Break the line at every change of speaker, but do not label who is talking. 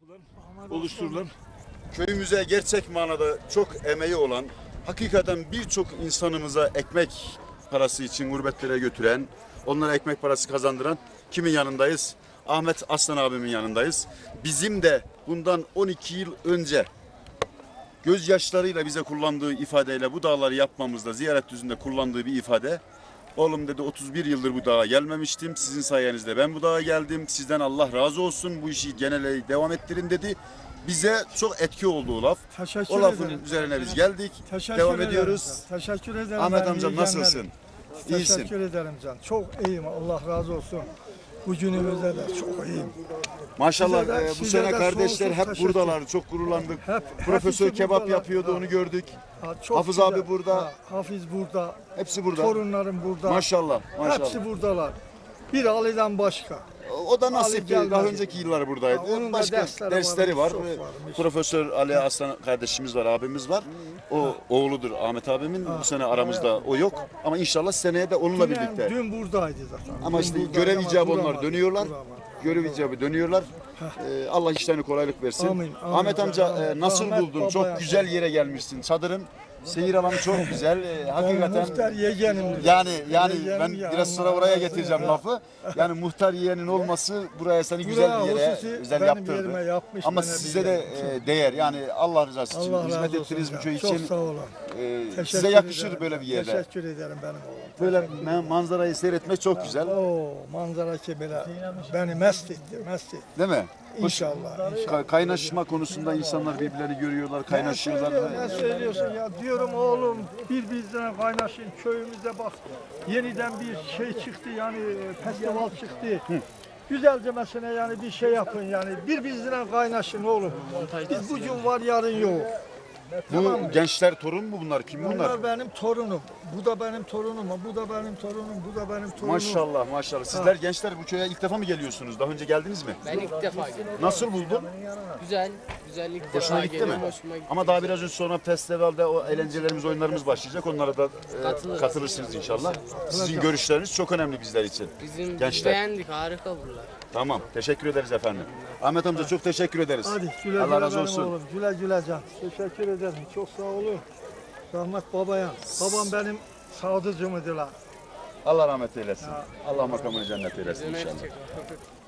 oluşturulan, köyümüze gerçek manada çok emeği olan, hakikaten birçok insanımıza ekmek parası için gurbetlere götüren, onlara ekmek parası kazandıran kimin yanındayız? Ahmet Aslan abimin yanındayız. Bizim de bundan 12 yıl önce gözyaşlarıyla bize kullandığı ifadeyle bu dağları yapmamızda, ziyaret düzünde kullandığı bir ifade. Oğlum dedi, 31 yıldır bu dağa gelmemiştim. Sizin sayenizde ben bu dağa geldim. Sizden Allah razı olsun. Bu işi genele devam ettirin dedi. Bize çok etki oldu o laf.
Teşekkür
O lafın
ederim.
üzerine biz geldik.
Teşekkür
Devam
ederim
ediyoruz.
can. Teşekkür ederim.
Ahmet
benim
amcam
iyi
nasılsın?
günlerim.
İyisin.
Teşekkür ederim can. Çok iyiyim. Allah razı olsun. Bu günümüzde de çok iyiyim.
Maşallah
Size de-
bu
size
sene
de
kardeşler
sonsuz
hep
teşekkür.
buradalar. Çok gururlandık. Profesör
hepsi
kebap
buradalar.
yapıyordu,
Ha.
onu gördük.
Ha, çok
Hafız
güzel.
abi burada.
Ha, Hafiz burada.
Hepsi burada.
Torunlarım burada.
Maşallah, maşallah.
Hepsi buradalar. Bir Ali'den başka.
O da nasip.
Ali gelmedi.
Daha önceki yıllar buradaydı.
Ha, onun da
Başka dersleri var.
çok varmış.
Profesör Ali Aslan kardeşimiz var, abimiz var. O oğludur Ahmet abimin. Bu sene aramızda o yok. Ama inşallah seneye de onunla birlikte.
Dün buradaydı zaten.
Ama
Dün
işte
buradaydı
görev
ama
icabı onlar
duramadı,
dönüyorlar.
duramadı.
Görev icabı dönüyorlar. Allah işlerine kolaylık versin.
Amin, amin.
Ahmet amca
Amin.
nasıl
Rahmet
buldun?
babaya.
Çok güzel yere gelmişsin. Çadırın seyir alanı çok güzel.
Ben
Hakikaten
muhtar yeğenimdir.
yani
Yeğenim
ben
ya,
biraz sonra
Allah
oraya
razı
getireceğim
olsun.
lafı. Yani muhtar yeğenin olması buraya seni güzel bir yere
hususi
özel
benim
yaptırdı.
yerime yapmış,
Ama
bana
size
bir
de
yer.
değer. Yani Allah rızası için
Allah
hizmet
razı olsun
ettiniz bu
ya.
köy
Çok
için.
sağ olun.
Size
Teşekkür
yakışır
ederim.
böyle bir yerde.
Teşekkür ederim benim oğlum.
Böyle manzarayı seyretmek çok güzel.
O manzara ki böyle beni mest etti, mest etti.
Değil mi?
İnşallah. inşallah.
Kaynaşma konusunda insanlar birbirlerini görüyorlar, kaynaşıyorlar.
Ne söylüyorsun ya? Diyorum oğlum birbirine kaynaşın köyümüze bak. Yeniden bir şey çıktı yani festival çıktı. Güzelce mesela yani bir şey yapın yani birbirine kaynaşın oğlum. Biz bugün var yarın yok.
Bu gençler torun mu bunlar? Kim bunlar?
Bunlar benim torunum. Bu da benim torunum. Bu da benim torunum. Bu da benim torunum.
Maşallah maşallah. Sizler gençler bu köye ilk defa mı geliyorsunuz? Daha önce geldiniz mi?
Ben ilk defa geldim.
Nasıl buldun?
Güzel, güzel ilk
Hoşuna
defa
gitti mi?
geliyorum. Hoşuma gitti.
Ama daha biraz önce sonra festivalde o eğlencelerimiz, oyunlarımız başlayacak. Onlara da katılırsınız inşallah. Sizin görüşleriniz çok önemli bizler için.
Biz
Gençler.
beğendik, harika buralar.
Tamam. Teşekkür ederiz efendim. Ahmet amca çok teşekkür ederiz.
Hadi güle
Allah
güle
razı
benim
olsun.
oğlum. Güle güle can. Teşekkür ederim. Çok sağ olun. Rahmet babaya. Babam benim sadıcımıdır.
Allah rahmet eylesin. Allah makamını cennet eylesin
Döner
inşallah.
çek.